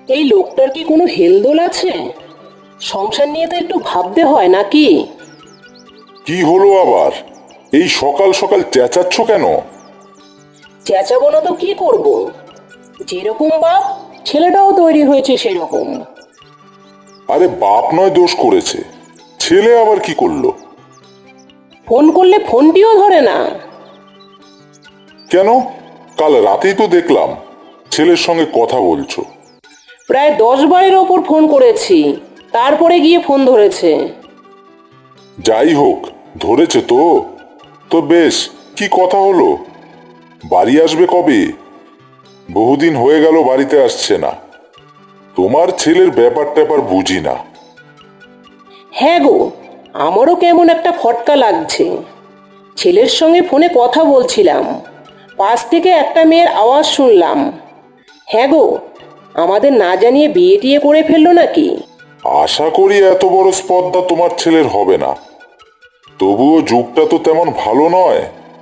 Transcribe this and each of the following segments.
এই লোকটার কি কোনো হেলদোল আছে? সংসার নিয়ে তো একটু ভাবতে হয় নাকি? কি হলো আবার? এই সকাল সকাল চেঁচাচ্ছ কেন? চেঁচাবো না তো কি করব? যেরকম বাপ, ছেলেটাও তৈরি হয়েছে সেরকম। আরে বাপ নয় দোষ করেছে, ছেলে আবার কি করলো? ফোন করলে ফোনটিও ধরে না। কেন? কাল রাতেই তো দেখলাম ছেলের সঙ্গে কথা বলছো। প্রায় 10 বারের ওপর ফোন করেছি, তারপরে গিয়ে ফোন ধরেছে। যাই হোক, ধরেছে তো। তো বেশ, কি কথা হলো? বাড়ি আসবে কবে? বহুদিন হয়ে গেল বাড়িতে আসছে না। তোমার ছেলের ব্যাপার ট্যাপার বুঝি না। হ্যাঁ গো, আমারও কেমন একটা খটকা লাগছে। ছেলের সঙ্গে ফোনে কথা বলছিলাম, পাশ থেকে একটা মেয়ের আওয়াজ শুনলাম। হ্যাঁ গো, আমাদের না জানিয়ে বিয়ে টিয়ে করে ফেললো নাকি? আশা করি এত বড় স্পর্ধা তোমার ছেলের হবে না। তবুও যুগটা তো তেমন ভালো নয়।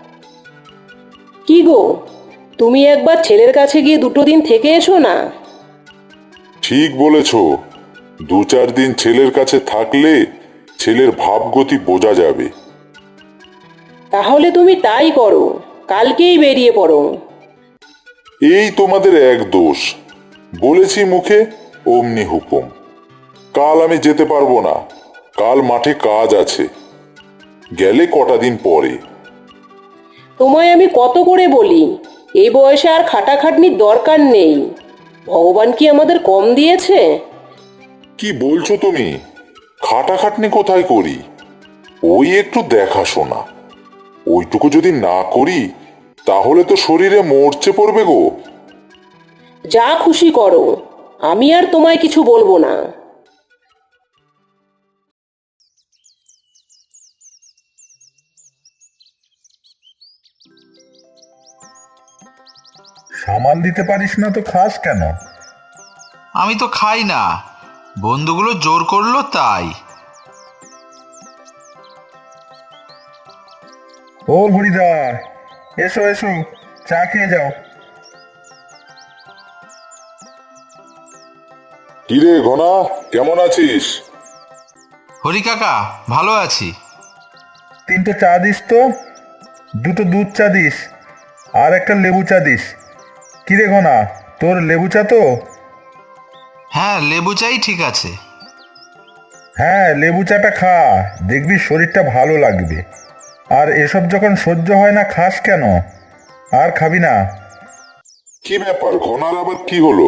কি গো, তুমি একবার ছেলের কাছে গিয়ে 2 দিন থেকে এসো না। ঠিক বলেছ, 2-4 দিন ছেলের কাছে থাকলে ছেলের ভাবগতি বোঝা যাবে। তাহলে তুমি তাই করো, কালকেই বেরিয়ে পড়ো। এই তোমাদের এক দোষ, বলেছি মুখে, অমনি হুকুম। কাল আমি যেতে পারবো না, কাল মাঠে কাজ আছে। গেলে কটা দিন পরে। তোমায় আমি কত করে বলি, এই বয়সে আর খাটাখাটনির দরকার নেই। ভগবান কি আমাদের কম দিয়েছে? কি বলছো তুমি? খাটাখাটনি কোথায় করি? ওই একটু দেখাশোনা। ওইটুকু যদি না করি তাহলে তো শরীরে মরচে পড়বে গো। যা খুশি করো, আমি আর তোমায় কিছু বলবো না। সামাল দিতে পারিস না তো খাস কেন? আমি তো খাই না, বন্ধুগুলো জোর করলো তাই। ও হরিদা, এসো এসো, চা খেয়ে যাও। কিরে ঘনা, কেমন আছিস? হরি কাকা, ভালো আছি। 3টে চা দিস তো, 2টো দুধ চা দিস, আর একটা লেবু চা দিস। কিরে ঘনা, তোর লেবু চা তো? হ্যাঁ, লেবু চাই, ঠিক আছে। হ্যাঁ, লেবু চাটা খা, দেখবি শরীরটা ভালো লাগবে। আর এসব যখন সহ্য হয় না খাস কেন? আর খাবি না? কি ব্যাপার, ঘনার আবার কি হলো?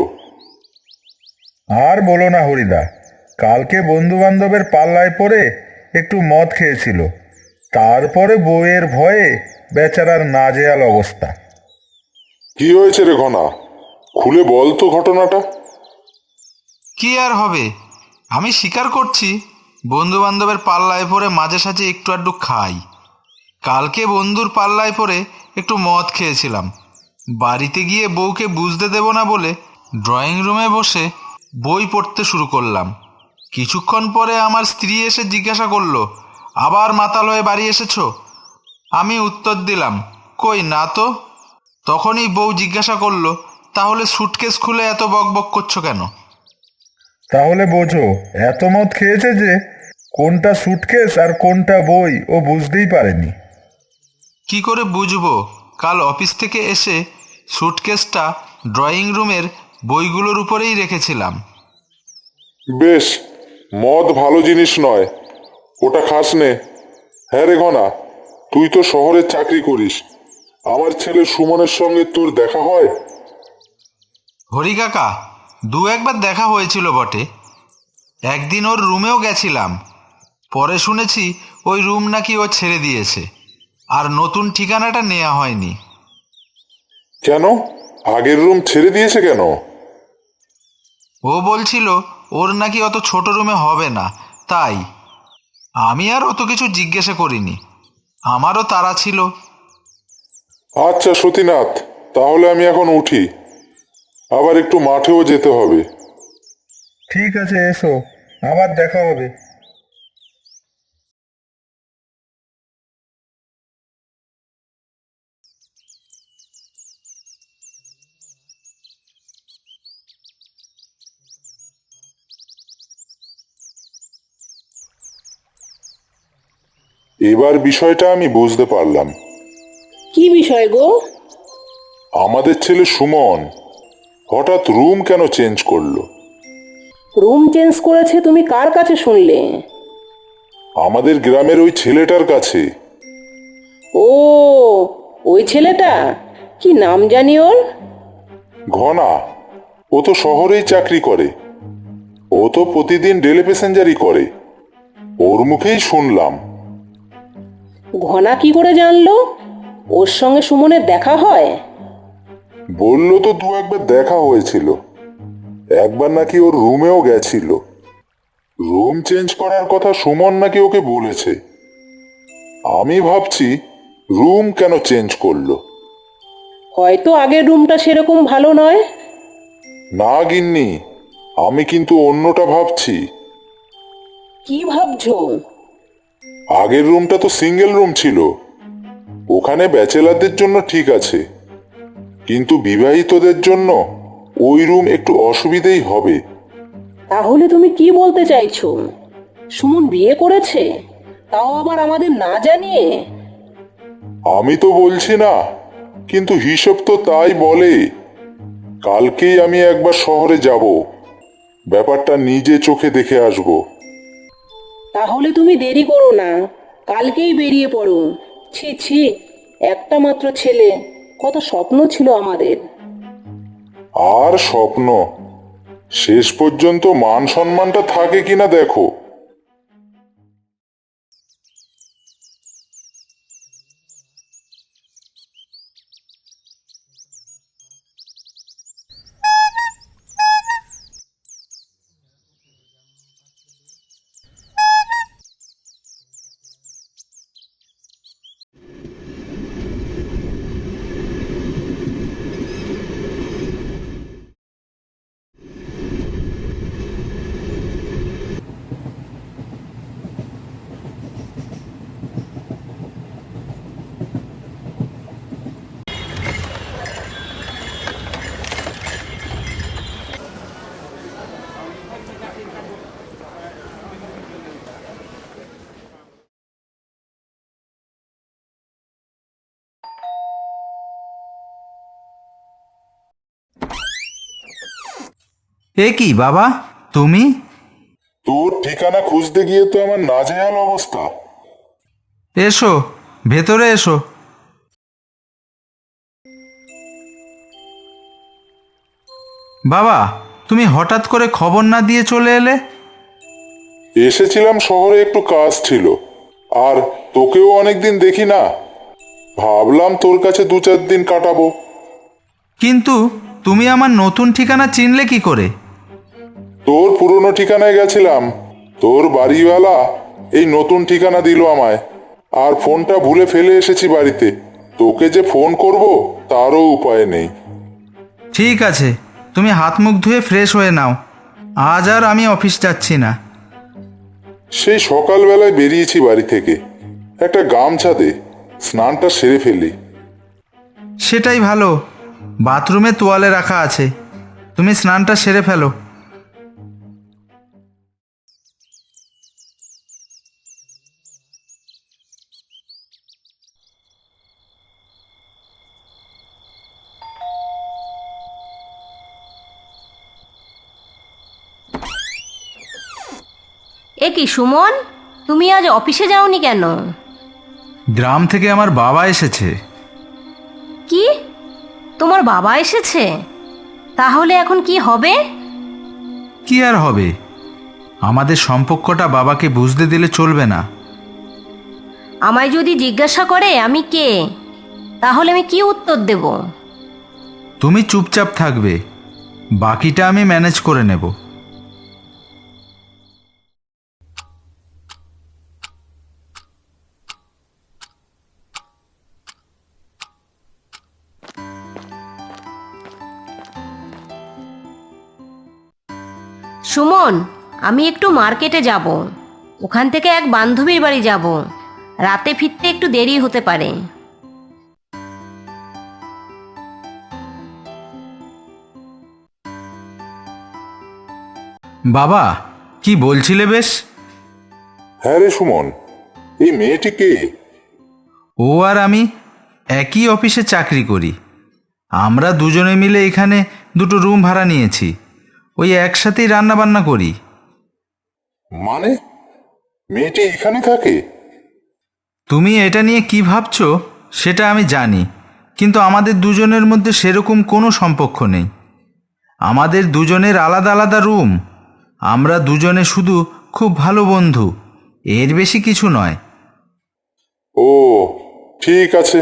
আর বলো না হরিদা, কালকে বন্ধু বান্ধবের পাল্লায় পড়ে একটু মদ খেয়েছিল, তারপরে বউয়ের ভয়ে বেচারার নাজেহাল অবস্থা। কি হয়েছে রে ঘনা? খুলে বল তো ঘটনাটা। কি আর হবে, আমি স্বীকার করছি, বন্ধু বান্ধবের পাল্লায় পড়ে মাঝে সাঝে একটু আধটু খাই। কালকে বন্ধুর পাল্লায় পড়ে একটু মদ খেয়েছিলাম। বাড়িতে গিয়ে বউকে বুঝতে দেব না বলে ড্রয়িং রুমে বসে বই পড়তে শুরু করলাম। কিছুক্ষণ পরে আমার স্ত্রী এসে জিজ্ঞাসা করলো, আবার মাতাল হয়ে বাড়ি এসেছো? আমি উত্তর দিলাম, কই না তো। তখনই বউ জিজ্ঞাসা করলো, তাহলে সুটকেস খুলে এত বকবক করছো কেন? তাহলে বোঝো, এত মদ খেয়েছে যে কোনটা সুটকেস আর কোনটা বই ও বুঝতেই পারেনি। কি করে বুঝবো? কাল অফিস থেকে এসে সুটকেসটা ড্রয়িং রুমের বইগুলোর উপরেই রেখেছিলাম। বেশ, মদ ভালো জিনিস নয়, ওটা খাস নে। হ্যাঁ রে ঘনা, তুই তো শহরে চাকরি করিস, আমার ছেলে সুমনের সঙ্গে তোর দেখা হয়? হরি কাকা, দু একবার দেখা হয়েছিল বটে। একদিন ওর রুমেও গেছিলাম। পরে শুনেছি ওই রুম নাকি ও ছেড়ে দিয়েছে, আর নতুন ঠিকানাটা নেওয়া হয়নি। কেন? আগের রুম ছেড়ে দিয়েছে কেন? ও বলছিল ওর নাকি অত ছোট রুমে হবে না, তাই। আমি আর অত কিছু জিজ্ঞাসা করিনি, আমারও তাড়া ছিল। আচ্ছা সতীনাথ, তাহলে আমি এখন উঠি, আবার একটু মাঠেও যেতে হবে। ঠিক আছে, এসো, আবার দেখা হবে। এবার বিষয়টা আমি বুঝতে পারলাম। কি বিষয় গো? আমাদের ছেলে সুমন হঠাৎ রুম কেন চেঞ্জ করলো? রুম চেঞ্জ করেছে তুমি কার কাছে শুনলে? আমাদের গ্রামের ওই ছেলেটার কাছে। ও, ওই ছেলেটা, কি নাম জানি ওর? ঘনা। ও তো শহরেই চাকরি করে। ও তো প্রতিদিন ডেলি প্যাসেঞ্জারই করে। ওর মুখেই শুনলাম। ঘনা কি করে জানলো? ওর সঙ্গে সুমনের দেখা হয়? বলল তো দু একবার দেখা হয়েছিল। একবার নাকি ওর রুমেও গেছিল। রুম চেঞ্জ করার কথা সুমন নাকি ওকে বলেছে। আমি ভাবছি রুম কেন চেঞ্জ করলো। হয়তো আগের রুমটা সেরকম ভালো নয়। না গিন্নি, আমি কিন্তু অন্যটা ভাবছি। কি ভাবছো? আগের রুমটা তো সিঙ্গেল রুম ছিল। ওখানে ব্যাচেলারদের জন্য ঠিক আছে, কিন্তু বিবাহিতদের জন্য ওই রুম একটু অসুবিধেই হবে। তাহলে তুমি কি বলতে চাইছো? সুমন বিয়ে করেছে, তাও আবার আমাদের না জানিয়ে? আমি তো বলছি না, কিন্তু হিসেব তো তাই বলে। কালকেই আমি একবার শহরে যাব, ব্যাপারটা নিজে চোখে দেখে আসব। তাহলে তুমি দেরি করো না, কালকেই বেরিয়ে পড়ো। ছি ছি, একটা মাত্র ছেলে, কত স্বপ্ন ছিল আমাদের। আর স্বপ্ন, শেষ পর্যন্ত মান সম্মানটা থাকে কিনা দেখো। এ কি বাবা, তুমি? তোর ঠিকানা খুঁজতে গিয়ে তো আমার নাজেহাল অবস্থা। এসো, ভেতরে এসো। বাবা, তুমি হঠাৎ করে খবর না দিয়ে চলে এলে? এসেছিলাম, শহরে একটু কাজ ছিল, আর তোকেও অনেকদিন দেখি না। ভাবলাম তোর কাছে 2-4 দিন কাটাবো। কিন্তু তুমি আমার নতুন ঠিকানা চিনলে কি করে? তোর পুরনো ঠিকানায় গেছিলাম, তোর বাড়িওয়ালা এই নতুন ঠিকানা দিল আমায়, আর ফোনটা ভুলে ফেলে এসেছি বাড়িতে। তোকে যে ফোন করব তারও উপায় নেই। ঠিক আছে, তুমি হাত মুখ ধুয়ে ফ্রেশ হয়ে নাও। আজ আর আমি অফিস যাচ্ছি না। সেই সকালবেলায় বেরিয়েছি বাড়ি থেকে। একটা গামছা দে, স্নানটা সেরে ফেলি। সেটাই ভালো, বাথরুমে তোয়ালে রাখা আছে, তুমি স্নানটা সেরে ফেলো। এ কি সুমন, তুমি আজ অফিসে যাওনি কেন? গ্রাম থেকে আমার বাবা এসেছে। কি, তোমার বাবা এসেছে? তাহলে এখন কি হবে? কি আর হবে, আমাদের সম্পর্কটা বাবাকে বুঝতে দিলে চলবে না। আমায় যদি জিজ্ঞাসা করে আমি কে, তাহলে আমি কি উত্তর দেব? তুমি চুপচাপ থাকবে, বাকিটা আমি ম্যানেজ করে নেব। সুমন, আমি একটু মার্কেটে যাব, ওখান থেকে এক বান্ধবীর বাড়ি যাব, রাতে ফিরতে একটু দেরি হতে পারে। বাবা, কি বলছিলে বেশ? হ্যাঁ রে সুমন, এই মেয়েটি কে? ও আর আমি একই অফিসে চাকরি করি। আমরা দুজনে মিলে এখানে দুটো রুম ভাড়া নিয়েছি। ওই একসাথেই রান্না বান্না করি। মানে মেয়েটি এখানে থাকে? তুমি এটা নিয়ে কি ভাবছো সেটা আমি জানি, কিন্তু আমাদের দুজনের মধ্যে সেরকম কোনো সম্পর্ক নেই। আমাদের দুজনের আলাদা আলাদা রুম। আমরা দুজনে শুধু খুব ভালো বন্ধু, এর বেশি কিছু নয়। ও ঠিক আছে।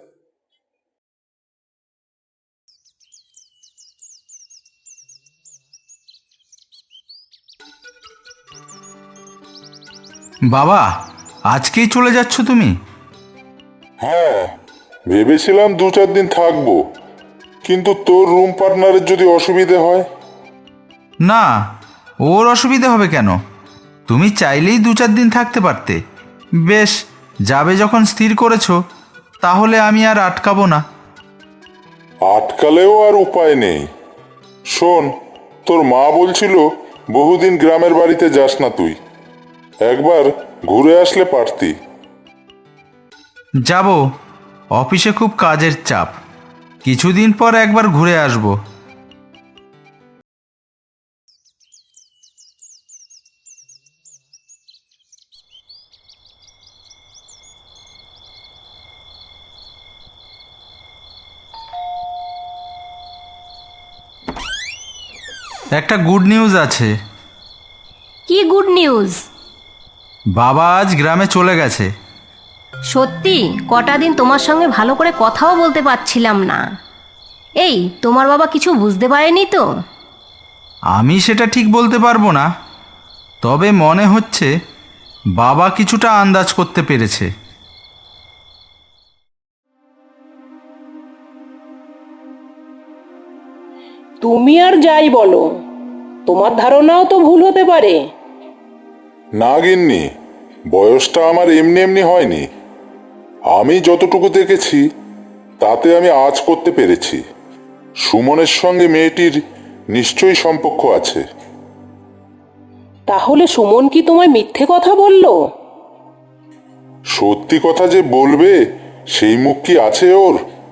বাবা, আজকেই চলে যাচ্ছ তুমি? হ্যাঁ, ভেবেছিলাম 2-4 দিন থাকবো, কিন্তু তোর রুম পার্টনারের যদি অসুবিধে হয়। না, ওর অসুবিধা হবে কেন? তুমি চাইলেই 2-4 দিন থাকতে পারতে। বেশ, যাবে যখন স্থির করেছো, তাহলে আমি আর আটকাবো না। আটকালেও আর উপায় নেই। শোন, তোর মা বলছিল বহুদিন গ্রামের বাড়িতে যাস না তুই, একবার ঘুরে আসলে পারতি। যাব, অফিসে খুব কাজের চাপ। কিছুদিন পর একবার ঘুরে আসবো। একটা গুড নিউজ আছে। কি গুড নিউজ? বাবা আজ গ্রামে চলে গেছে। সত্যি? কটা দিন তোমার সঙ্গে ভালো করে কথাও বলতে পারছিলাম না। এই, তোমার বাবা কিছু বুঝতে পারেনি তো? আমি সেটা ঠিক বলতে পারবো না, তবে মনে হচ্ছে বাবা কিছুটা আন্দাজ করতে পেরেছে। তুমি আর যাই বলো, তোমার ধারণাও তো ভুল হতে পারে। না গিন্নি, বয়সটা আমার এমনি এমনি হয়নি। আমি যতটুকু দেখেছি তাতে আমি আজ করতে পেরেছি সুমনের সঙ্গে মেয়েটির নিশ্চয়ই সম্পর্ক আছে। তাহলে সুমন কি তোমায় মিথ্যে কথা বললো? সত্যি কথা যে বলবে সেই মুখ কি আছে ওর?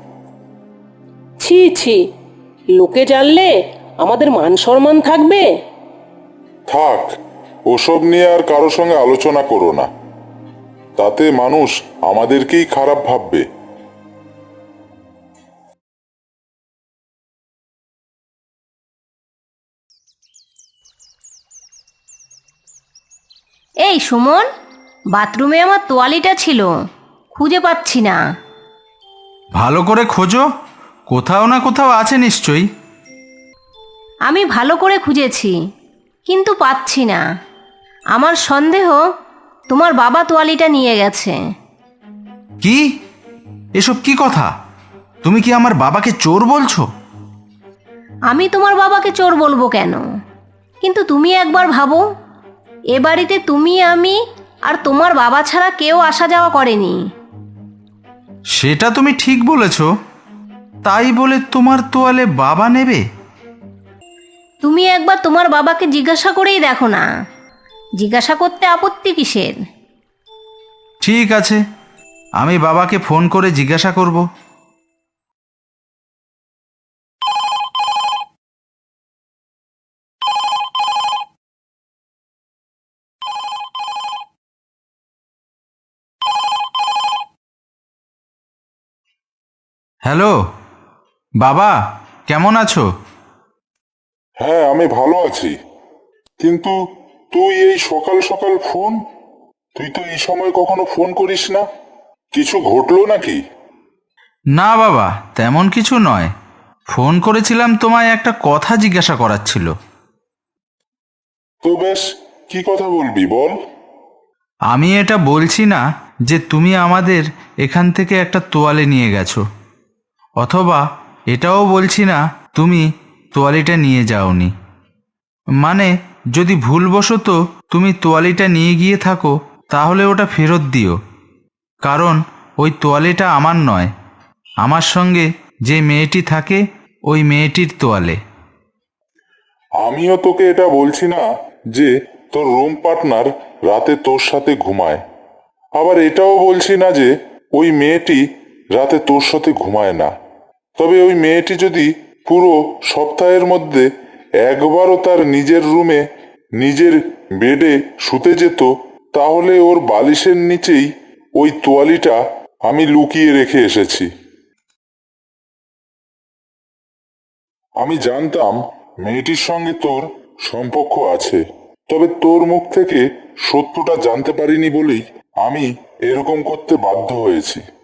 ছি ছি, লোকে জানলে আমাদের মান সম্মান থাকবে? থাক, ওসব নিয়ে আর কারো সঙ্গে আলোচনা করো না, তাতে মানুষ আমাদেরকেই খারাপ ভাববে। এই সুমন, বাথরুমে আমার তোয়ালিটা ছিল, খুঁজে পাচ্ছি না। ভালো করে খোঁজো, কোথাও না কোথাও আছে নিশ্চয়ই। আমি ভালো করে খুঁজেছি, কিন্তু পাচ্ছি না। আমার সন্দেহ তোমার বাবা তোয়ালিটা নিয়ে গেছে। কি? এসব কি কথা? তুমি কি আমার বাবাকে চোর বলছো? আমি তোমার বাবাকে চোর বলবো কেন? কিন্তু তুমি একবার ভাবো, এ বাড়িতে তুমি, আমি আর তোমার বাবা ছাড়া কেউ আসা যাওয়া করেনি। সেটা তুমি ঠিক বলেছ, তাই বলে তোমার তোয়ালে বাবা নেবে? তুমি একবার তোমার বাবাকে জিজ্ঞাসা করেই দেখো না। জিজ্ঞাসা করতে আপত্তি কিসের? ঠিক আছে, আমি বাবাকে ফোন করে জিজ্ঞাসা করব। হ্যালো বাবা, কেমন আছো? হ্যাঁ, আমি ভালো আছি, কিন্তু তুই এই সকাল সকাল ফোন? তুই তো এই সময় কখনো ফোন করিস না। কিছু ঘটলো নাকি? না বাবা, তেমন কিছু নয়। ফোন করেছিলাম তোমায় একটা কথা জিজ্ঞাসা করার ছিল। তো বেশ, কি কথা বলবি বল। আমি এটা বলছি না যে তুমি আমাদের এখান থেকে একটা তোয়ালে নিয়ে গেছো, অথবা এটাও বলছি না তুমি তোয়ালিটা নিয়ে যাওনি। মানে, যদি ভুলবশত তুমি তোয়ালিটা নিয়ে গিয়ে থাকো, তাহলে ওটা ফেরত দিও। কারণ ওই তোয়ালিটা আমার নয়, আমার সঙ্গে যে মেয়েটি থাকে ওই মেয়েটির তোয়ালে। আমিও তোকে এটা বলছি না যে তোর রুম পার্টনার রাতে তোর সাথে ঘুমায়। আবার এটাও বলছি না যে ওই মেয়েটি রাতে তোর সাথে ঘুমায় না। তবে ওই মেয়েটি যদি পুরো সপ্তাহের মধ্যে একবারও তার নিজের রুমে নিজের বেডে শুতে যেত, তাহলে ওর বালিশের নিচেই ওই তোয়ালিটা আমি লুকিয়ে রেখে এসেছি। আমি জানতাম মেয়েটির সঙ্গে তোর সম্পর্ক আছে, তবে তোর মুখ থেকে সত্যটা জানতে পারিনি বলেই আমি এরকম করতে বাধ্য হয়েছি।